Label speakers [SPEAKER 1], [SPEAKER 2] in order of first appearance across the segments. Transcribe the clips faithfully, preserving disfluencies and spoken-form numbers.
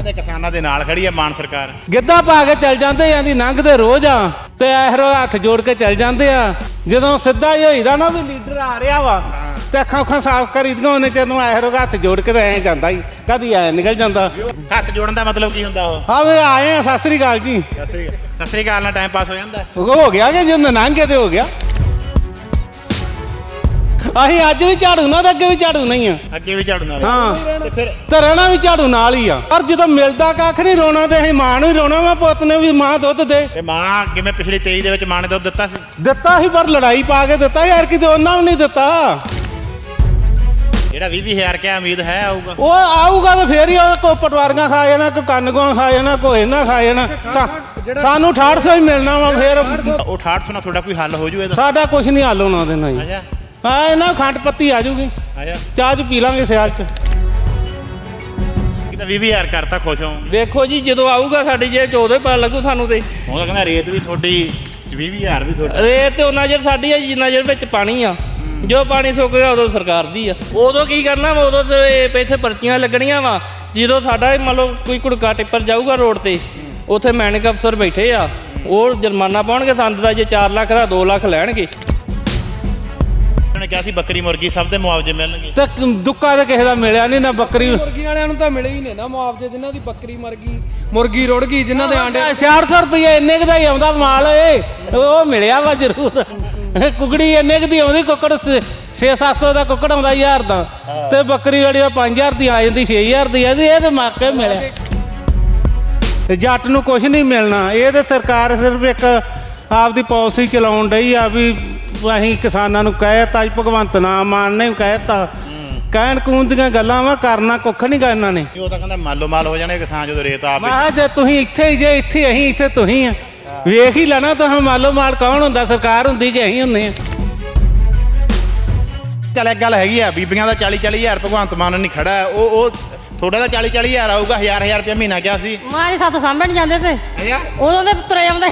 [SPEAKER 1] ਕਹਿੰਦੇ ਕਿਸਾਨਾਂ ਦੇ ਨਾਲ ਖੜੀ ਆ ਮਾਨ ਸਰਕਾਰ।
[SPEAKER 2] ਗਿੱਧਾ ਪਾ ਕੇ ਚੱਲ ਜਾਂਦੇ ਜਾਂਦੀ ਲੰਘਦੇ ਰੋਜ਼ ਆ ਤੇ ਐਹਰੋ ਹੱਥ ਜੋੜ ਕੇ ਚੱਲ ਜਾਂਦੇ ਆ। ਜਦੋਂ ਸਿੱਧਾ ਹੀ ਹੋਈਦਾ ਨਾ ਵੀ ਲੀਡਰ ਆ ਰਿਹਾ ਵਾ ਤੇ ਅੱਖਾਂ ਅੱਖਾਂ ਸਾਫ਼ ਕਰੀਦੀਆਂ ਉਹਨੇ ਜਦੋਂ ਐਹਰੋ ਹੱਥ ਜੋੜ ਕੇ ਤਾਂ ਐਂ ਜਾਂਦਾ ਹੀ ਕਦੀ ਐ ਨਿਕਲ ਜਾਂਦਾ।
[SPEAKER 1] ਹੱਥ ਜੋੜਨ ਦਾ ਮਤਲਬ ਕੀ ਹੁੰਦਾ ਉਹ?
[SPEAKER 2] ਹਾਂ ਵੀ ਆਏ ਆ ਸਤਿ ਸ੍ਰੀ ਅਕਾਲ ਜੀ।
[SPEAKER 1] ਸਤਿ ਸ੍ਰੀ ਅਕਾਲ। ਸਤਿ ਸ੍ਰੀ ਅਕਾਲ ਨਾਲ ਟਾਈਮ ਪਾਸ ਹੋ ਜਾਂਦਾ।
[SPEAKER 2] ਹੋ ਗਿਆ ਕਿ ਜਦੋਂ ਲੰਘ ਤੇ ਹੋ ਗਿਆ। ਅਸੀਂ ਅੱਜ ਵੀ ਝਾੜੂ ਨਾਲ ਤੇ ਅੱਗੇ ਵੀ ਝਾੜੂ ਨਹੀਂ ਆ।
[SPEAKER 1] ਅੱਗੇ ਵੀ ਝਾੜੂ ਨਾਲ।
[SPEAKER 2] ਹਾਂ
[SPEAKER 1] ਤੇ ਫਿਰ
[SPEAKER 2] ਤੇ ਰਹਿਣਾ ਵੀ ਝਾੜੂ ਨਾਲ ਹੀ ਆ। ਪਰ ਜਦੋਂ ਮਿਲਦਾ ਕੱਖ ਨਹੀਂ ਰੋਣਾ ਤੇ ਅਸੀਂ ਮਾਂ ਨੂੰ ਹੀ ਰੋਣਾ ਵਾ ਪੁੱਤ ਨੇ ਵੀ ਮਾਂ ਦੁੱਧ ਦੇ।
[SPEAKER 1] ਤੇ ਮਾਂ ਕਿਵੇਂ ਪਿਛਲੀ ਤੇਈ ਦੇ ਵਿੱਚ ਮਾਂ ਨੇ ਦੁੱਧ ਦਿੱਤਾ ਸੀ?
[SPEAKER 2] ਦਿੱਤਾ ਸੀ ਪਰ ਲੜਾਈ ਪਾ ਕੇ ਦਿੱਤਾ ਯਾਰ ਕਿਤੇ ਉਹਨਾਂ ਵੀ ਨਹੀਂ ਦਿੱਤਾ।
[SPEAKER 1] ਜਿਹੜਾ ਵੀਹ ਵੀਹ ਹਜ਼ਾਰ ਕਿਆ ਉਮੀਦ ਹੈ ਆਊਗਾ?
[SPEAKER 2] ਉਹ ਆਊਗਾ ਤਾਂ ਫੇਰ ਹੀ ਉਹ ਕੋ ਪਟਵਾਰੀਆਂ ਖਾ ਜਾਣਾ ਕੋ ਕੰਨਗੋਆਂ ਖਾ ਜਾਣਾ ਕੋ ਇਹਨਾਂ ਖਾ ਜਾਣਾ। ਸਾਨੂੰ ਅਠਾਹਠ ਸੌ ਹੀ ਮਿਲਣਾ ਵਾ ਫੇਰ।
[SPEAKER 1] ਉਹ ਅਠਾਹਠ ਸੌ ਨਾਲ ਤੁਹਾਡਾ ਕੋਈ ਹੱਲ ਹੋ ਜੂ ਇਹਦਾ?
[SPEAKER 2] ਸਾਡਾ ਕੁਝ ਨਹੀਂ ਹੱਲ ਹੋਣਾ ਦੇਣਾ ਜੀ।
[SPEAKER 1] ਆਜਾ
[SPEAKER 2] ਹਾਂ ਇਹਨਾਂ ਖੰਡ ਪੱਤੀ ਆ ਜੂਗੀ
[SPEAKER 1] ਆਜਾ
[SPEAKER 2] ਚਾਹ ਚ ਪੀ ਲਾਂਗੇ ਸਿਆਲ ਚ।
[SPEAKER 1] ਕਿਤਾ ਵੀਹ ਵੀਹ ਹਜ਼ਾਰ ਕਰਤਾ ਖੁਸ਼ ਹੋ?
[SPEAKER 3] ਵੇਖੋ ਜੀ ਜਦੋਂ ਆਊਗਾ ਸਾਡੀ ਜੇਬ ਚ ਉਦੋਂ ਹੀ ਪਤਾ ਲੱਗੂ ਸਾਨੂੰ। ਤੇ
[SPEAKER 1] ਉਹ ਤਾਂ ਕਹਿੰਦਾ ਰੇਤ ਵੀ ਤੁਹਾਡੀ ਵੀਹ ਵੀਹ ਹਜ਼ਾਰ ਵੀ ਤੁਹਾਡੀ।
[SPEAKER 3] ਰੇਤ ਤੇ ਉਹਨਾਂ ਚਿਰ ਸਾਡੀ ਆ ਜਿੰਨਾ ਚਿਰ ਵਿੱਚ ਪਾਣੀ ਆ। ਜੋ ਪਾਣੀ ਸੁੱਕ ਗਿਆ ਉਦੋਂ ਸਰਕਾਰ ਦੀ ਆ। ਉਦੋਂ ਕੀ ਕਰਨਾ ਵਾ? ਉਦੋਂ ਤੇ ਇੱਥੇ ਪਰਚੀਆਂ ਲੱਗਣੀਆਂ ਵਾ। ਜਦੋਂ ਸਾਡਾ ਮੰਨ ਲਓ ਕੋਈ ਕੁੜਕਾ ਟਿੱਪਰ ਜਾਊਗਾ ਰੋਡ ਤੇ ਉੱਥੇ ਮੈਨਿਕ ਅਫਸਰ ਬੈਠੇ ਆ ਉਹ ਜੁਰਮਾਨਾ ਪਾਉਣਗੇ ਸੰਦ ਦਾ। ਜੇ ਚਾਰ ਲੱਖ ਦਾ ਦੋ ਲੱਖ ਲੈਣਗੇ।
[SPEAKER 1] ਉਹਨੇ ਕਿਹਾ ਸੀ ਬੱਕਰੀ ਮੁਰਗੀ ਸਭ ਦੇ ਮੁਆਵਜ਼ੇ ਮਿਲਣਗੇ।
[SPEAKER 2] ਤੇ ਦੁੱਕਾ ਤਾਂ ਕਿਸੇ ਦਾ ਮਿਲਿਆ ਨਹੀਂ ਨਾ। ਬੱਕਰੀ
[SPEAKER 4] ਮੁਰਗੀ ਵਾਲਿਆਂ ਨੂੰ ਤਾਂ ਮਿਲੇ ਹੀ ਨੇ ਨਾ ਮੁਆਵਜ਼ੇ। ਜਿਨ੍ਹਾਂ ਦੀ ਬੱਕਰੀ ਮਰ ਗਈ ਮੁਰਗੀ ਰੁੜ ਗਈ ਜਿਨ੍ਹਾਂ ਦੇ ਆਂਡੇ
[SPEAKER 2] ਛਿਆਹਠ ਸੌ ਰੁਪਏ ਇੰਨੇ ਕੁ ਦਾ ਹੀ ਆਉਂਦਾ ਮਾਲ ਏ ਉਹ ਮਿਲਿਆ ਵਾ ਜ਼ਰੂਰ। ਕੁਕੜੀ ਇੰਨੇ ਕੁ ਦੀ ਆਉਂਦੀ। ਕੁੱਕੜ ਛੇ ਸੱਤ ਸੌ ਦਾ ਕੁੱਕੜ ਆਉਂਦਾ ਹਜ਼ਾਰ ਦਾ ਤੇ ਬੱਕਰੀ ਜਿਹੜੀ ਆ ਪੰਜ ਹਜ਼ਾਰ ਦੀ ਆ ਜਾਂਦੀ ਛੇ ਹਜ਼ਾਰ ਦੀ ਆ। ਇਹ ਤੇ ਮੌਕੇ ਮਿਲਿਆ। ਤੇ ਜੱਟ ਨੂੰ ਕੁਝ ਨਹੀਂ ਮਿਲਣਾ। ਇਹ ਤੇ ਸਰਕਾਰ ਸਿਰਫ ਇੱਕ ਆਪਦੀ ਪਾਲਿਸੀ ਚਲਾਉਣ ਡਈ ਆ ਵੀ ਅਸੀਂ ਕਿਸਾਨਾਂ ਨੂੰ ਕਹਿਤਾ ਜੀ। ਭਗਵੰਤ ਮਾਨ ਨੇ ਕਹਿਤਾ ਕਹਿਣ ਕੂਣ ਦੀਆਂ ਗੱਲਾਂ ਵਾ ਕਰਨਾ ਕੁੱਖ ਨਹੀਂ ਗਾ ਇਹਨਾਂ ਨੇ।
[SPEAKER 1] ਉਹ ਤਾਂ ਕਹਿੰਦਾ ਮਾਲੋ ਮਾਲ ਹੋ ਜਾਣੇ ਕਿਸਾਨ ਜਦੋਂ ਰੇਤ ਆਪ।
[SPEAKER 2] ਮੈਂ ਕਿਹਾ ਜੇ ਤੁਸੀਂ ਇੱਥੇ ਹੀ ਜੇ ਇੱਥੇ ਅਸੀਂ ਇੱਥੇ ਤੁਸੀਂ ਆ ਵੇਖ ਹੀ ਲੈਣਾ। ਤਾਂ ਮਾਲੋ ਮਾਲ ਕੌਣ ਹੁੰਦਾ? ਸਰਕਾਰ ਹੁੰਦੀ ਕਿ ਅਸੀਂ ਹੁੰਦੇ ਆ?
[SPEAKER 1] ਚੱਲ ਇੱਕ ਗੱਲ ਹੈਗੀ ਆ ਬੀਬੀਆਂ ਦਾ ਚਾਲੀ ਚਾਲੀ ਹਜ਼ਾਰ ਭਗਵੰਤ ਮਾਨ ਨਹੀਂ ਖੜਾ। ਉਹ ਉਹ ਤੁਹਾਡਾ ਤਾਂ ਚਾਲੀ ਚਾਲੀ ਹਜ਼ਾਰ ਆਊਗਾ। ਹਜ਼ਾਰ ਹਜ਼ਾਰ ਰੁਪਇਆ ਮਹੀਨਾ ਕਿਹਾ ਸੀ।
[SPEAKER 5] ਮਾਂ ਨੇ ਸਾਥੋਂ ਸਾਂਭਣ ਜਾਂਦੇ ਤੇ
[SPEAKER 1] ਅੱਛਾ
[SPEAKER 5] ਉਦੋਂ ਦੇ ਤੁਰੇ ਆਉਂਦੇ।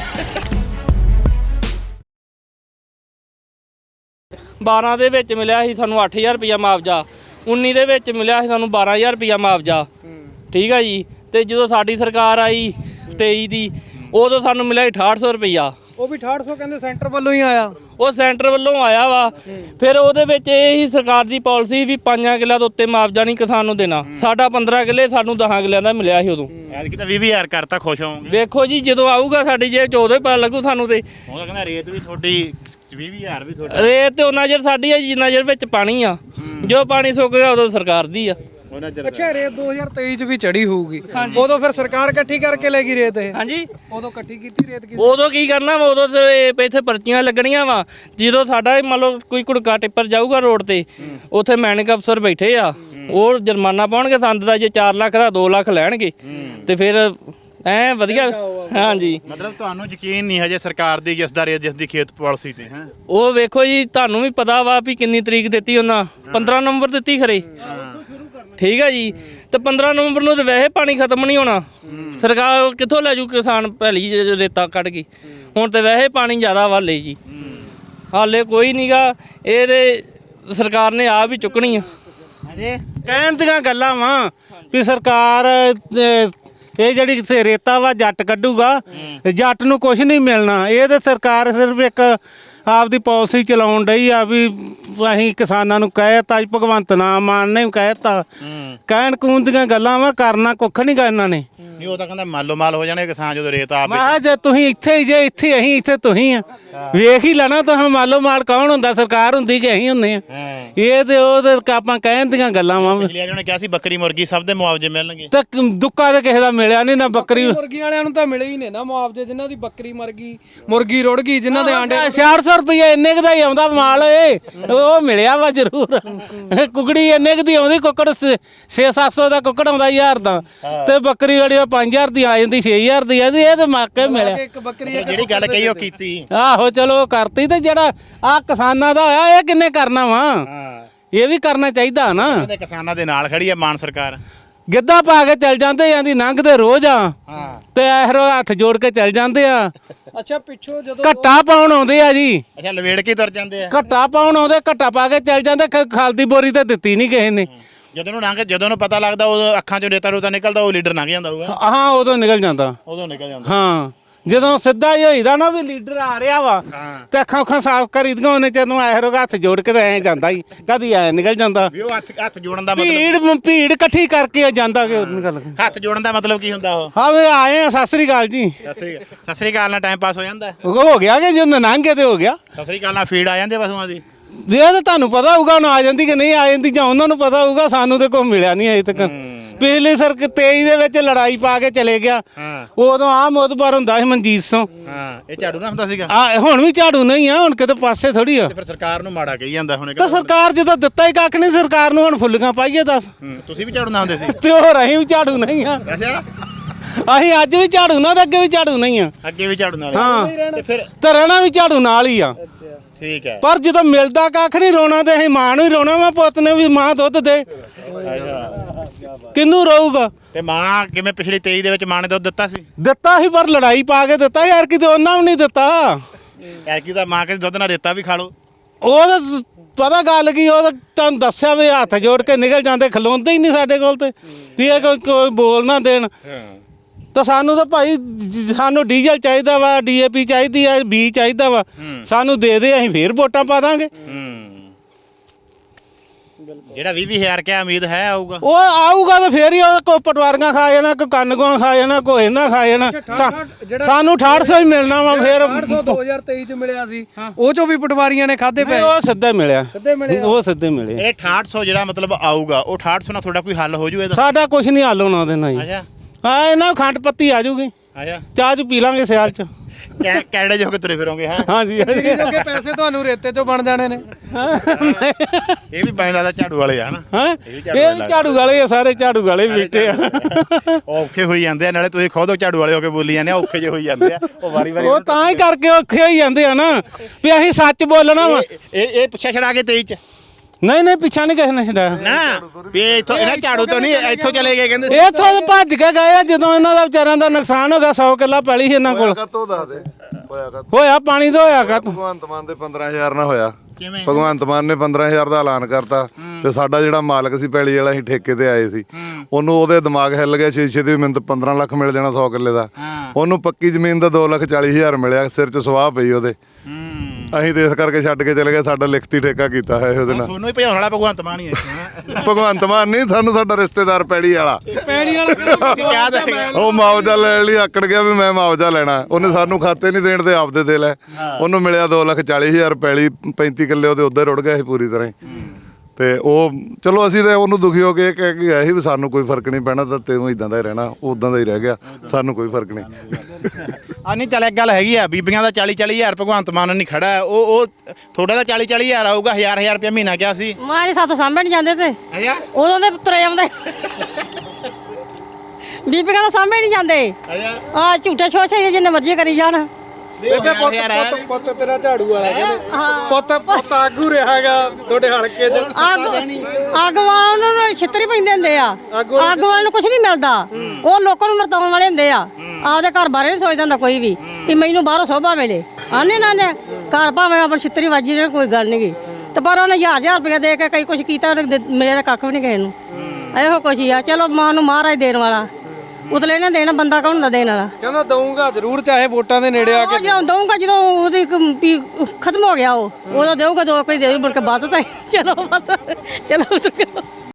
[SPEAKER 3] ਬਾਰਾਂ ਦੇ ਵਿੱਚ ਮਿਲਿਆ ਸੀ ਸਾਨੂੰ ਅੱਠ ਹਜ਼ਾਰ ਰੁਪਈਆ ਮੁਆਵਜ਼ਾ। ਉੱਨੀ ਦੇ ਵਿੱਚ ਮਿਲਿਆ ਸੀ ਸਾਨੂੰ ਬਾਰਾਂ ਹਜ਼ਾਰ ਰੁਪਈਆ ਮੁਆਵਜ਼ਾ। ਠੀਕ ਆ ਜੀ। ਤੇ ਜਦੋਂ ਸਾਡੀ ਸਰਕਾਰ ਆਈ ਤੇਈ ਦੀ ਉਦੋਂ ਸਾਨੂੰ ਮਿਲਿਆ ਅਠਾਹਠ ਸੌ ਰੁਪਈਆ।
[SPEAKER 4] ਉਹ ਵੀ ਅਠਾਹਠ ਸੌ ਕਹਿੰਦੇ ਸੈਂਟਰ ਵੱਲੋਂ ਹੀ ਆਇਆ।
[SPEAKER 3] ਉਹ ਸੈਂਟਰ ਵੱਲੋਂ ਆਇਆ ਵਾ। ਫਿਰ ਉਹਦੇ ਵਿੱਚ ਇਹ ਹੀ ਸਰਕਾਰ ਦੀ ਪਾਲਿਸੀ ਵੀ ਪੰਜਾਂ ਕਿੱਲਿਆਂ ਤੋਂ ਉੱਤੇ ਮੁਆਵਜ਼ਾ ਨਹੀਂ ਕਿਸਾਨ ਨੂੰ ਦੇਣਾ। ਸਾਡਾ ਪੰਦਰਾਂ ਕਿੱਲੇ ਸਾਨੂੰ ਦਸਾਂ ਕਿੱਲਿਆਂ ਦਾ ਮਿਲਿਆ ਸੀ ਉਦੋਂ।
[SPEAKER 1] ਐਤਕੀ ਤਾਂ ਵੀਹ ਵੀਹ ਹਜ਼ਾਰ ਕਰਤਾ ਖੁਸ਼ ਹੋਵੋਗੇ?
[SPEAKER 3] ਵੇਖੋ ਜੀ ਜਦੋਂ ਆਊਗਾ ਸਾਡੀ ਜੇਬ ਚ ਉਦੋਂ ਹੀ ਪਤਾ ਲੱਗੂ ਸਾਨੂੰ। ਤੇ
[SPEAKER 1] ਉਹ ਤਾਂ ਕਹਿੰਦਾ ਰੇਤ ਵੀ ਤੁਹਾਡੀ ਵੀਹ ਵੀਹ ਹਜ਼ਾਰ ਵੀ ਤੁਹਾਡੀ।
[SPEAKER 3] ਰੇਤ ਤੇ ਉਹਨਾਂ ਚਿਰ ਸਾਡੀ ਆ ਜਿੰਨਾ ਚਿਰ ਵਿੱਚ ਪਾਣੀ ਆ। ਜੋ ਪਾਣੀ ਸੁੱਕ ਗਿਆ ਉਦੋਂ ਸਰਕਾਰ ਦੀ ਆ।
[SPEAKER 4] ਅੱਛਾ ਰੇਤ ਦੋ ਹਜ਼ਾਰ ਤੇਈ ਚ ਵੀ ਚੜੀ ਹੋਊਗੀ। ਉਦੋਂ ਫਿਰ ਸਰਕਾਰ ਇਕੱਠੀ ਕਰਕੇ ਲੈ ਗਈ ਰੇਤ ਇਹ।
[SPEAKER 3] ਹਾਂਜੀ
[SPEAKER 4] ਉਦੋਂ ਇਕੱਠੀ ਕੀਤੀ ਰੇਤ ਕੀ?
[SPEAKER 3] ਉਦੋਂ ਕੀ ਕਰਨਾ ਵਾ? ਉਦੋਂ ਤੇ ਇੱਥੇ ਪਰਚੀਆਂ ਲੱਗਣੀਆਂ ਵਾ। ਜਦੋਂ ਸਾਡਾ ਮੰਨ ਲਓ ਕੋਈ ਕੁੜਕਾ ਟਿੱਪਰ ਜਾਊਗਾ ਰੋਡ ਤੇ ਉੱਥੇ ਮੈਨਿਕ ਅਫਸਰ ਬੈਠੇ ਆ ਉਹ ਜੁਰਮਾਨਾ ਪਾਉਣਗੇ ਸੰਦ ਦਾ। ਜੇ ਚਾਰ ਲੱਖ ਦਾ ਦੋ ਲੱਖ ਲੈਣਗੇ ਤੇ ਫਿਰ ਐ ਵਧੀਆ। ਹਾਂਜੀ
[SPEAKER 1] ਮਤਲਬ ਤੁਹਾਨੂੰ ਯਕੀਨ ਨਹੀਂ ਹਜੇ ਸਰਕਾਰ ਦੀ ਜਿਸ ਦਾ ਰੇਤ ਜਿਸ ਦੀ ਖੇਤ ਪਾਲਿਸੀ ਤੇ ਹੈ?
[SPEAKER 3] ਉਹ ਵੇਖੋ ਜੀ ਤੁਹਾਨੂੰ ਵੀ ਪਤਾ ਵਾ ਵੀ ਕਿੰਨੀ ਤਰੀਕ ਦਿੱਤੀ ਉਹਨਾਂ। ਪੰਦਰਾਂ ਨਵੰਬਰ ਦਿੱਤੀ ਖਰੇ। ਠੀਕ ਆ ਜੀ। ਤੇ ਪੰਦਰਾਂ ਨਵੰਬਰ ਨੂੰ ਤੇ ਵੈਸੇ ਪਾਣੀ ਖਤਮ ਨਹੀਂ ਹੋਣਾ। ਸਰਕਾਰ ਕਿੱਥੋਂ ਲੈ ਜੂ ਕਿਸਾਨ ਪਹਿਲੀ ਰੇਤਾ ਕੱਢ ਕੇ? ਹੁਣ ਤੇ ਵੈਸੇ ਪਾਣੀ ਜ਼ਿਆਦਾ ਵਾਲੇ ਜੀ। ਹਾਲੇ ਕੋਈ ਨਹੀਂਗਾ। ਇਹ ਤੇ ਸਰਕਾਰ ਨੇ ਆਪ ਹੀ ਚੁੱਕਣੀ ਆ।
[SPEAKER 2] ਕਹਿਣ ਦੀਆਂ ਗੱਲਾਂ ਵਾ ਵੀ ਸਰਕਾਰ ਇਹ ਜਿਹੜੀ ਰੇਤਾ ਵਾ ਜੱਟ ਕੱਢੂਗਾ। ਜੱਟ ਨੂੰ ਕੁਝ ਨਹੀਂ ਮਿਲਣਾ। ਇਹ ਤੇ ਸਰਕਾਰ ਸਿਰਫ ਇੱਕ ਆਪਦੀ ਪਾਲਿਸੀ ਚਲਾਉਣ ਡਈ ਆ ਵੀ ਅਸੀਂ ਕਿਸਾਨਾਂ ਨੂੰ ਕਹਿਤਾ ਜੀ। ਭਗਵੰਤ ਮਾਨ ਨੇ ਕਹਿਤਾ ਕਹਿਣ ਕੂਣ ਦੀਆਂ ਗੱਲਾਂ ਵਾ ਕਰਨਾ ਕੁੱਖ ਨਹੀਂ ਗਾ ਇਹਨਾਂ ਨੇ।
[SPEAKER 1] ਨਹੀਂ ਉਹ ਤਾਂ ਕਹਿੰਦਾ ਮਾਲੋ ਮਾਲ ਹੋ ਜਾਣੇ ਕਿਸਾਨ ਜਦੋਂ ਰੇਤ ਆਪ।
[SPEAKER 2] ਮੈਂ ਕਿਹਾ ਜੇ ਤੁਸੀਂ ਇੱਥੇ ਹੀ ਜੇ ਇੱਥੇ ਅਸੀਂ ਇੱਥੇ ਤੁਸੀਂ ਆ ਵੇਖ ਹੀ ਲੈਣਾ। ਤਾਂ ਮਾਲੋ ਮਾਲ ਕੌਣ ਹੁੰਦਾ? ਸਰਕਾਰ ਹੁੰਦੀ ਕਿ ਅਸੀਂ ਹੁੰਦੇ ਆ? ਇਹ ਤੇ ਉਹ ਤੇ ਆਪਾਂ ਕਹਿਣ ਦੀਆਂ ਗੱਲਾਂ ਵਾ।
[SPEAKER 1] ਉਹਨੇ ਕਿਹਾ ਸੀ ਬੱਕਰੀ ਮੁਰਗੀ ਸਭ ਦੇ ਮੁਆਵਜ਼ੇ ਮਿਲਣਗੇ।
[SPEAKER 2] ਤੇ ਦੁੱਕਾ ਤਾਂ ਕਿਸੇ ਦਾ ਮਿਲਿਆ ਨਹੀਂ ਨਾ। ਬੱਕਰੀ
[SPEAKER 4] ਮੁਰਗੀ ਵਾਲਿਆਂ ਨੂੰ ਤਾਂ ਮਿਲੇ ਹੀ ਨੇ ਨਾ ਮੁਆਵਜ਼ੇ। ਜਿਨ੍ਹਾਂ ਦੀ ਬੱਕਰੀ ਮਰ ਗਈ ਮੁਰਗੀ ਰੁੜ ਗਈ ਜਿਨ੍ਹਾਂ ਦੇ ਆਂਡੇ
[SPEAKER 2] ਛਿਆਹਠ ਸੌ ਰੁਪਏ ਇੰਨੇ ਕੁ ਦਾ ਹੀ ਆਉਂਦਾ ਮਾਲ ਏ ਉਹ ਮਿਲਿਆ ਵਾ ਜ਼ਰੂਰ। ਕੁਕੜੀ ਇੰਨੇ ਕੁ ਦੀ ਆਉਂਦੀ। ਕੁੱਕੜ ਛੇ ਸੱਤ ਸੌ ਦਾ ਕੁੱਕੜ ਆਉਂਦਾ ਹਜ਼ਾਰ ਦਾ ਤੇ ਬੱਕਰੀ ਜਿਹੜੀ ਆ ਪੰਜ ਹਜ਼ਾਰ ਦੀ ਆ ਜਾਂਦੀ ਛੇ ਹਜ਼ਾਰ ਦੀ ਆ। ਇਹ ਤੇ ਮੌਕੇ ਮਿਲਿਆ।
[SPEAKER 4] ਇੱਕ ਬੱਕਰੀ
[SPEAKER 1] ਜਿਹੜੀ ਗੱਲ ਕਹੀ ਉਹ ਕੀਤੀ।
[SPEAKER 2] ਆਹੋ ਚਲੋ ਕਰਤੀ। ਤੇ ਜਿਹੜਾ ਆ ਕਿਸਾਨਾਂ ਦਾ ਹੋਇਆ ਇਹ ਕਿੰਨੇ ਕਰਨਾ ਵਾ? ਇਹ ਵੀ ਕਰਨਾ ਚਾਹੀਦਾ ਨਾ।
[SPEAKER 1] ਕਹਿੰਦੇ ਕਿਸਾਨਾਂ ਦੇ ਨਾਲ ਖੜੀ ਆ ਮਾਨ ਸਰਕਾਰ।
[SPEAKER 2] ਗਿੱਧਾ ਪਾ ਕੇ ਚੱਲ ਜਾਂਦੇ ਜਾਂਦੀ ਲੰਘਦੇ ਰੋਜ਼ ਆ ਤੇ ਐਹਰੋ ਹੱਥ ਜੋੜ ਕੇ ਚੱਲ ਜਾਂਦੇ ਆ।
[SPEAKER 4] ਅੱਛਾ ਪਿੱਛੋਂ ਜਦੋਂ
[SPEAKER 2] ਘੱਟਾ ਪਾਉਣ ਆਉਂਦੇ ਆ ਜੀ।
[SPEAKER 1] ਅੱਛਾ ਲਵੇੜ ਕੇ ਤੁਰ ਜਾਂਦੇ ਆ।
[SPEAKER 2] ਘੱਟਾ ਪਾਉਣ ਆਉਂਦੇ ਘੱਟਾ ਪਾ ਕੇ ਚੱਲ ਜਾਂਦੇ। ਖਾਲਦੀ ਬੋਰੀ ਤਾਂ ਦਿੱਤੀ ਨਹੀਂ ਕਿਸੇ ਨੇ।
[SPEAKER 1] ਜਦੋਂ ਨੂੰ ਲੰਘ ਜਦੋਂ ਨੂੰ ਪਤਾ ਲੱਗਦਾ ਉਹ ਅੱਖਾਂ ਚੋਂ ਰੇਤਾ ਰੂਤਾ ਨਿਕਲਦਾ ਉਹ ਲੀਡਰ ਲੰਘ ਜਾਂਦਾ ਹੋਊਗਾ
[SPEAKER 2] ਹਾਂ ਉਦੋਂ ਨਿਕਲ ਜਾਂਦਾ
[SPEAKER 1] ਉਦੋਂ ਨਿਕਲ ਜਾਂਦਾ
[SPEAKER 2] ਹਾਂ ਜਦੋਂ ਸਿੱਧਾ ਹੀ ਹੋਈਦਾ ਨਾ ਵੀ ਲੀਡਰ ਆ ਰਿਹਾ ਵਾ ਤੇ ਅੱਖਾਂ ਅੱਖਾਂ ਸਾਫ਼ ਕਰੀਦੀਆਂ ਉਹਨੇ ਜਦੋਂ ਐ ਰੋਗਾ ਹੱਥ ਜੋੜ ਕੇ ਤੇ ਐ ਜਾਂਦਾ ਹੀ ਕਦੀ ਐ ਨਿਕਲ ਜਾਂਦਾ
[SPEAKER 1] ਵੀ ਉਹ ਹੱਥ ਹੱਥ ਜੋੜਨ ਦਾ ਮਤਲਬ
[SPEAKER 2] ਭੀੜ ਭੀੜ ਇਕੱਠੀ ਕਰਕੇ ਜਾਂਦਾ ਕਿ ਨਿਕਲ
[SPEAKER 1] ਹੱਥ ਜੋੜਨ ਦਾ ਮਤਲਬ ਕੀ ਹੁੰਦਾ ਉਹ
[SPEAKER 2] ਹਾਂ ਵੇ ਆਏ ਆ ਸਤਿ ਸ੍ਰੀ ਅਕਾਲ ਜੀ
[SPEAKER 1] ਸਤਿ ਸ੍ਰੀ ਅਕਾਲ ਸਤਿ ਸ੍ਰੀ ਅਕਾਲ ਨਾਲ ਟਾਈਮ ਪਾਸ ਹੋ ਜਾਂਦਾ
[SPEAKER 2] ਉਹ ਹੋ ਗਿਆ ਕਿ ਜਦੋਂ ਲੰਘ ਤੇ ਹੋ ਗਿਆ
[SPEAKER 1] ਸਤਿ ਸ੍ਰੀ ਅਕਾਲ ਨਾਲ ਫੀਡ ਆ ਜਾਂਦੇ ਪਸ਼ੂਆਂ ਦੀ
[SPEAKER 2] ਵੀ ਇਹ ਤਾਂ ਤੁਹਾਨੂੰ ਪਤਾ ਹੋਊਗਾ ਹੁਣ ਆ ਜਾਂਦੀ ਕਿ ਨਹੀਂ ਆ ਜਾਂਦੀ ਜਾਂ ਉਹਨਾਂ ਨੂੰ ਪਤਾ ਹੋਊਗਾ ਸਾਨੂੰ ਤੇ ਕੋਈ ਮਿਲਿਆ ਨਹੀਂ ਅਜੇ ਤੱਕ ਪਿਛਲੇ ਸਰ ਤੇਈ ਦੇ ਵਿੱਚ ਲੜਾਈ ਪਾ ਕੇ ਚਲੇ ਗਿਆ
[SPEAKER 1] ਹਾਂ
[SPEAKER 2] ਉਦੋਂ ਆ ਮੋਦਬਰ ਹੁੰਦਾ ਸੀ ਮਨਜੀਤ ਸਿੰਘ
[SPEAKER 1] ਹਾਂ ਇਹ ਝਾੜੂ ਨਾ ਹੁੰਦਾ ਸੀਗਾ
[SPEAKER 2] ਆ ਹੁਣ ਵੀ ਝਾੜੂ ਨਹੀਂ ਆ ਹੁਣ ਕਿਤੇ ਪਾਸੇ ਥੋੜੀ ਆ
[SPEAKER 1] ਤੇ ਫਿਰ ਸਰਕਾਰ ਨੂੰ ਮਾੜਾ ਕਹੀ ਜਾਂਦਾ ਹੁਣ ਇਹ
[SPEAKER 2] ਤਾਂ ਸਰਕਾਰ ਜਦੋਂ ਦਿੱਤਾ ਹੀ ਕੱਖ ਨਹੀਂ ਸਰਕਾਰ ਨੂੰ ਹੁਣ ਫੁੱਲੀਆਂ ਪਾਈਏ ਦੱਸ
[SPEAKER 1] ਹੂੰ, ਤੁਸੀਂ ਵੀ ਝਾੜੂ ਨਾ ਹੁੰਦੇ ਸੀ
[SPEAKER 2] ਤੇ ਹੋਰ ਅਸੀਂ ਵੀ ਝਾੜੂ ਨਹੀਂ ਆ
[SPEAKER 1] ਅੱਛਾ
[SPEAKER 2] ਅਸੀਂ ਅੱਜ ਵੀ ਝਾੜੂ ਨਾਲ ਤੇ ਅੱਗੇ ਵੀ ਝਾੜੂ ਨਹੀਂ ਆ
[SPEAKER 1] ਅੱਗੇ ਵੀ ਝਾੜੂ ਨਾਲ
[SPEAKER 2] ਹਾਂ
[SPEAKER 1] ਤੇ ਫਿਰ
[SPEAKER 2] ਤੇ ਰਹਿਣਾ ਵੀ ਝਾੜੂ ਨਾਲ ਹੀ ਆ
[SPEAKER 1] ਠੀਕ ਹੈ
[SPEAKER 2] ਪਰ ਜਦੋਂ ਮਿਲਦਾ ਕੱਖ ਨਹੀਂ ਰੋਣਾ ਤੇ ਅਸੀਂ ਮਾਂ ਨੂੰ ਹੀ ਰੋਣਾ ਵਾ ਪੁੱਤ ਨੇ ਵੀ ਮਾਂ ਦੁੱਧ ਦੇ
[SPEAKER 1] ਅੱਛਾ
[SPEAKER 2] ਕਿਹਨੂੰ ਰਹੂਗਾ
[SPEAKER 1] ਤੇ ਮਾਂ ਕਿਵੇਂ ਪਿਛਲੀ ਤੇਈ ਦੇ ਵਿੱਚ ਮਾਂ ਨੇ ਦੁੱਧ ਦਿੱਤਾ ਸੀ
[SPEAKER 2] ਦਿੱਤਾ ਸੀ ਪਰ ਲੜਾਈ ਪਾ ਕੇ ਦਿੱਤਾ ਯਾਰ ਕਿਤੇ ਉਹਨਾਂ ਵੀ ਨਹੀਂ ਦਿੱਤਾ
[SPEAKER 1] ਐਕੀ ਤਾਂ ਮਾਂ ਕਹਿੰਦੀ ਦੁੱਧ ਨਾਲ ਰੇਤਾ ਵੀ ਖਾ ਲਓ
[SPEAKER 2] ਉਹ ਤਾਂ ਸ- ਪਤਾ ਗੱਲ ਕੀ ਉਹ ਤਾਂ ਤੁਹਾਨੂੰ ਦੱਸਿਆ ਵੀ ਹੱਥ ਜੋੜ ਕੇ ਨਿਕਲ ਜਾਂਦੇ ਖਲੋਂਦੇ ਹੀ ਨਹੀਂ ਸਾਡੇ ਕੋਲ ਤੇ ਵੀ ਇਹ ਕੋਈ ਕੋਈ ਬੋਲ ਨਾ ਦੇਣ ਤਾਂ ਸਾਨੂੰ ਤਾਂ ਭਾਈ ਜ- ਸਾਨੂੰ ਡੀਜ਼ਲ ਚਾਹੀਦਾ ਵਾ ਡੀਏਪੀ ਚਾਹੀਦੀ ਆ ਬੀ ਚਾਹੀਦਾ ਵਾ ਸਾਨੂੰ ਦੇ ਦੇ ਅਸੀਂ ਫੇਰ ਵੋਟਾਂ ਪਾ ਦਾਂਗੇ
[SPEAKER 1] ਹੂੰ ਜਿਹੜਾ ਵੀਹ ਵੀਹ ਹਜ਼ਾਰ ਕਿਆ ਉਮੀਦ ਹੈ ਆਊਗਾ
[SPEAKER 2] ਉਹ ਆਊਗਾ ਤਾਂ ਫੇਰ ਹੀ ਉਹ ਕੋ ਪਟਵਾਰੀਆਂ ਖਾ ਜਾਣਾ ਕੋ ਕੰਨਗੋਆਂ ਖਾ ਜਾਣਾ ਕੋ ਇਹਨਾਂ ਖਾ ਜਾਣਾ ਸਾ- ਸਾਨੂੰ ਅਠਾਹਠ ਸੌ ਹੀ ਮਿਲਣਾ ਵਾ ਫੇਰ
[SPEAKER 4] ਅੱਠ ਸੌ ਦੋ ਹਜ਼ਾਰ ਤੇਈ ਚ ਮਿਲਿਆ ਸੀ ਉਹ ਚੋਂ ਵੀ ਪਟਵਾਰੀਆਂ ਨੇ ਖਾਦੇ ਪਏ
[SPEAKER 2] ਉਹ ਸਿੱਧਾ ਹੀ ਮਿਲਿਆ
[SPEAKER 4] ਸਿੱਧੇ ਮਿਲੇ
[SPEAKER 2] ਉਹ ਸਿੱਧੇ ਮਿਲੇ
[SPEAKER 1] ਇਹ ਅਠਾਹਠ ਸੌ ਜਿਹੜਾ ਮਤਲਬ ਆਊਗਾ ਉਹ ਅਠਾਹਠ ਸੌ ਨਾਲ ਤੁਹਾਡਾ ਕੋਈ ਹੱਲ ਹੋ ਜੂ ਇਹਦਾ
[SPEAKER 2] ਸਾਡਾ ਕੁਝ ਨਹੀਂ ਹੱਲ ਹੋਣਾ ਉਹਦੇ ਨਾਲ ਜੀ
[SPEAKER 1] ਅੱਛਾ
[SPEAKER 2] ਹਾਂ ਇਹਨਾਂ ਨੂੰ ਖੰਡ ਪੱਤੀ ਆ ਜੂਗੀ
[SPEAKER 1] ਅੱਛਾ
[SPEAKER 2] ਚਾਹ ਚ ਪੀ ਲਾਂਗੇ ਸਿਆਲ ਚ
[SPEAKER 1] ਕੈ- ਕੈੜੇ ਜੋ ਕੇ ਤੁਰੇ ਫਿਰੋਗੇ ਹੈ
[SPEAKER 2] ਹਾਂਜੀ
[SPEAKER 4] ਕਿਉਂਕਿ ਪੈਸੇ ਤੁਹਾਨੂੰ ਰੇਤੇ ਚੋਂ ਬਣ ਜਾਣੇ ਨੇ
[SPEAKER 1] ਇਹ ਵੀ ਪੈਣ ਲੱਗਦਾ ਝਾੜੂ ਵਾਲੇ ਆ ਨਾ
[SPEAKER 2] ਹਾਂ ਇਹ ਵੀ ਝਾੜੂ ਵਾਲੇ ਆ ਸਾਰੇ ਝਾੜੂ ਵਾਲੇ ਵੀ ਬੈਠੇ ਆ
[SPEAKER 1] ਉਹ ਔਖੇ ਹੋਈ ਜਾਂਦੇ ਆ ਨਾਲੇ ਤੁਸੀਂ ਖੁਦ ਉਹ ਝਾੜੂ ਵਾਲੇ ਹੋ ਕੇ ਬੋਲੀ ਜਾਂਦੇ ਆ ਔਖੇ ਜਿਹੇ ਹੋਈ ਜਾਂਦੇ ਆ ਉਹ ਵਾਰੀ ਵਾਰੀ
[SPEAKER 2] ਉਹ ਤਾਂ ਹੀ ਕਰਕੇ ਔਖੇ ਹੋਈ ਜਾਂਦੇ ਆ ਨਾ ਵੀ ਅਸੀਂ ਸੱਚ ਬੋਲਣਾ ਵਾ
[SPEAKER 1] ਇਹ- ਇਹ ਇਹ ਪਿੱਛੇ ਛੜਾ ਕੇ ਤੇਈ ਚ
[SPEAKER 2] ਨਹੀਂ ਨਹੀਂ ਪਿੱਛਾ ਨਹੀਂ ਕਿਸੇ ਨੇ ਛਡਾਇਆ
[SPEAKER 1] ਨਾ ਵੀ ਇਹ ਇੱਥੋਂ ਇਹਨਾਂ ਝਾੜੂ ਤੋਂ ਨਹੀਂ ਇੱਥੋਂ ਚਲੇ ਗਏ ਕਹਿੰਦੇ
[SPEAKER 2] ਇਹ ਤੋਂ ਭੱਜ ਕੇ ਗਏ ਆ ਜਦੋਂ ਇਹਨਾਂ ਦਾ ਵਿਚਾਰਿਆਂ ਦਾ ਨੁਕਸਾਨ ਹੋ ਗਿਆ ਸੌ ਕਿੱਲਾ ਪੈਲੀ ਸੀ ਇਹਨਾਂ ਕੋਲ
[SPEAKER 6] ਕਦੋਂ ਦੱਸ ਦੇ ਹੋਇਆ ਕਦ
[SPEAKER 2] ਹੋਇਆ ਪਾਣੀ ਤੋਂ ਹੋਇਆ ਕਾ
[SPEAKER 6] ਭਗਵੰਤ ਮਾਨ ਦੇ ਪੰਦਰਾਂ ਹਜ਼ਾਰ ਨਾਲ ਹੋਇਆ
[SPEAKER 1] ਕਿਵੇਂ
[SPEAKER 6] ਭਗਵੰਤ ਮਾਨ ਨੇ ਪੰਦਰਾਂ ਹਜ਼ਾਰ ਦਾ ਐਲਾਨ ਕਰਤਾ ਤੇ ਸਾਡਾ ਜਿਹੜਾ ਮਾਲਕ ਸੀ ਪੈਲੀ ਵਾਲਾ ਅਸੀਂ ਠੇਕੇ ਤੇ ਆਏ ਸੀ ਉਹਨੂੰ ਉਹਦੇ ਦਿਮਾਗ ਹਿੱਲ ਗਿਆ ਛੇ ਛੇ ਦੀ ਮੈਨੂੰ ਤਾਂ ਪੰਦਰਾਂ ਲੱਖ ਮਿਲ ਜਾਣਾ ਸੌ ਕਿੱਲੇ ਦਾ ਉਹਨੂੰ ਪੱਕੀ ਜ਼ਮੀਨ ਦਾ ਦੋ ਲੱਖ ਚਾਲੀ ਹਜ਼ਾਰ ਮਿਲਿਆ ਸਿਰ 'ਚ ਸਵਾਹ ਪਈ ਉਹਦੇ ਅਸੀਂ ਤੇ ਇਸ ਕਰਕੇ ਛੱਡ ਕੇ ਚਲੇ ਗਏ ਸਾਡਾ ਲਿਖਤੀ ਠੇਕਾ ਕੀਤਾ ਹੈ ਉਹਦੇ ਨਾਲ
[SPEAKER 1] ਤੁਹਾਨੂੰ ਹੀ ਭਜਾਉਣ ਵਾਲਾ ਭਗਵੰਤ ਮਾਨ ਹੀ ਹੈ
[SPEAKER 6] ਭਗਵੰਤ ਮਾਨ ਨਹੀਂ ਸਾਨੂੰ ਸਾਡਾ ਰਿਸ਼ਤੇਦਾਰ ਪੈਲੀ ਵਾਲਾ
[SPEAKER 4] ਪੈਣੀ ਵਾਲਾ
[SPEAKER 1] ਕਿਆ ਦੇਗਾ
[SPEAKER 6] ਉਹ ਮੁਆਵਜ਼ਾ ਲੈਣ ਲਈ ਆਕੜ ਗਿਆ ਵੀ ਮੈਂ ਮੁਆਵਜ਼ਾ ਲੈਣਾ ਉਹਨੇ ਸਾਨੂੰ ਖਾਤੇ ਨਹੀਂ ਦੇਣ ਦੇ ਆਪਦੇ ਦੇ ਲੈ ਉਹਨੂੰ ਮਿਲਿਆ ਦੋ ਲੱਖ ਚਾਲੀ ਹਜ਼ਾਰ ਪੈਲੀ ਪੈਂਤੀ ਕਿੱਲੇ ਉਹਦੇ ਉੱਧਰ ਰੁੜ ਗਿਆ ਸੀ ਪੂਰੀ ਤਰ੍ਹਾਂ ਹੀ ਤੇ ਉਹ ਚਲੋ ਅਸੀਂ ਤੇ ਉਹਨੂੰ ਦੁਖੀ ਹੋ ਕੇ ਇਹ ਕਹਿ ਕੇ ਗਏ ਸੀ ਵੀ ਸਾਨੂੰ ਕੋਈ ਫਰਕ ਨਹੀਂ ਪੈਣਾ ਤਾਂ ਤੈਨੂੰ ਇਦਾਂ ਦਾ ਹੀ ਰਹਿਣਾ ਉਹ ਉਦਾਂ ਦਾ ਹੀ ਰਹਿ ਗਿਆ ਸਾਨੂੰ ਕੋਈ ਫਰਕ ਨਹੀਂ
[SPEAKER 1] ਆ ਨਹੀਂ ਚੱਲ ਇੱਕ ਗੱਲ ਹੈਗੀ ਆ ਬੀਬੀਆਂ ਦਾ ਚਾਲੀ ਚਾਲੀ ਹਜ਼ਾਰ ਭਗਵੰਤ ਮਾਨ ਨਹੀਂ ਖੜਾ ਉਹ ਉਹ ਤੁਹਾਡਾ ਤਾਂ ਚਾਲੀ ਚਾਲੀ ਹਜ਼ਾਰ ਆਊਗਾ ਹਜ਼ਾਰ ਹਜ਼ਾਰ ਰੁਪਇਆ ਮਹੀਨਾ ਕਿਹਾ ਸੀ
[SPEAKER 5] ਮਾਰੇ ਸਾਥ ਸਾਂਭਣ ਜਾਂਦੇ ਤੇ
[SPEAKER 1] ਅੱਛਾ
[SPEAKER 5] ਉਦੋਂ ਦੇ ਤੁਰੇ ਆਉਂਦੇ ਬੀਬੀਆਂ ਦਾ ਸਾਂਭੇ ਨਹੀਂ ਜਾਂਦੇ
[SPEAKER 1] ਅੱਛਾ
[SPEAKER 5] ਆ ਝੂਠੇ ਛੋਛੇ ਜਿੰਨੇ ਮਰਜ਼ੀ ਕਰੀ ਜਾਣ
[SPEAKER 4] ਬੇਬੇ ਪੁੱਤ ਪੁੱਤ ਪੁੱਤ ਤੇਰਾ ਝਾੜੂ ਵਾਲਾ ਕਹਿੰਦੇ ਪੁੱਤ ਪੁੱਤ ਆਗੂ ਰਿਹਾਗਾ ਤੁਹਾਡੇ ਹਲਕੇ 'ਚ
[SPEAKER 5] ਅੱਗ ਅੱਗਵਾਨ ਨੂੰ ਛਿੱਤਰੀ ਪੈਂਦੇ ਹੁੰਦੇ ਆ ਅੱਗਵਾਨ ਨੂੰ ਕੁਝ ਨਹੀਂ ਮਿਲਦਾ ਉਹ ਲੋਕਾਂ ਨੂੰ ਮਰਤਾਉਣ ਵਾਲੇ ਹੁੰਦੇ ਆ ਆਪਦੇ ਘਰ ਬਾਰੇ ਨਹੀਂ ਸੋਚਦਾ ਹੁੰਦਾ ਕੋਈ ਵੀ ਕਿ ਮੈਨੂੰ ਬਾਹਰੋਂ ਸੋਭਾ ਮਿਲੇ ਆਨੇ ਨਾ ਨੇ ਘਰ ਭਾਵੇਂ ਆਪਣੀ ਛਿੱਤਰੀ ਵੱਜੀ ਨੇ ਕੋਈ ਗੱਲ ਨਹੀਂ ਗੀ ਤੇ ਪਰ ਉਹਨੇ ਹਜ਼ਾਰ ਹਜ਼ਾਰ ਰੁਪਏ ਦੇ ਕੇ ਕਈ ਕੁਝ ਕੀਤਾ ਉਹਨੇ ਦੇ- ਮੇਰੇ ਤਾਂ ਕੱਖ ਵੀ ਨਹੀਂ ਕਿਸੇ ਨੂੰ ਇਹੋ ਕੁਛ ਹੀ ਆ ਚਲੋ ਮਾਂ ਨੂੰ ਮਹਾਰਾਜ ਦੇਣ ਵਾਲਾ ਉਤਲੇ ਨੇ ਦੇਣਾ ਬੰਦਾ ਕੌਣ ਦਾ ਦੇਣ ਵਾਲਾ
[SPEAKER 4] ਕਹਿੰਦਾ ਦਊਂਗਾ ਜ਼ਰੂਰ ਚਾਹੇ ਵੋਟਾਂ ਦੇ ਨੇੜੇ ਆ ਕੇ
[SPEAKER 5] ਉਹ ਜਦੋਂ ਦਊਂਗਾ ਜਦੋਂ ਉਹਦੀ ਇੱਕ ਵੀ ਖਤਮ ਹੋ ਗਿਆ ਉਹ ਉਦੋਂ ਦੇਊਗਾ ਦੋ ਕੋਈ ਦੇ ਮੁੜ ਕੇ ਬਾਤ ਤਾਂ ਚਲੋ ਬਸ ਚਲੋ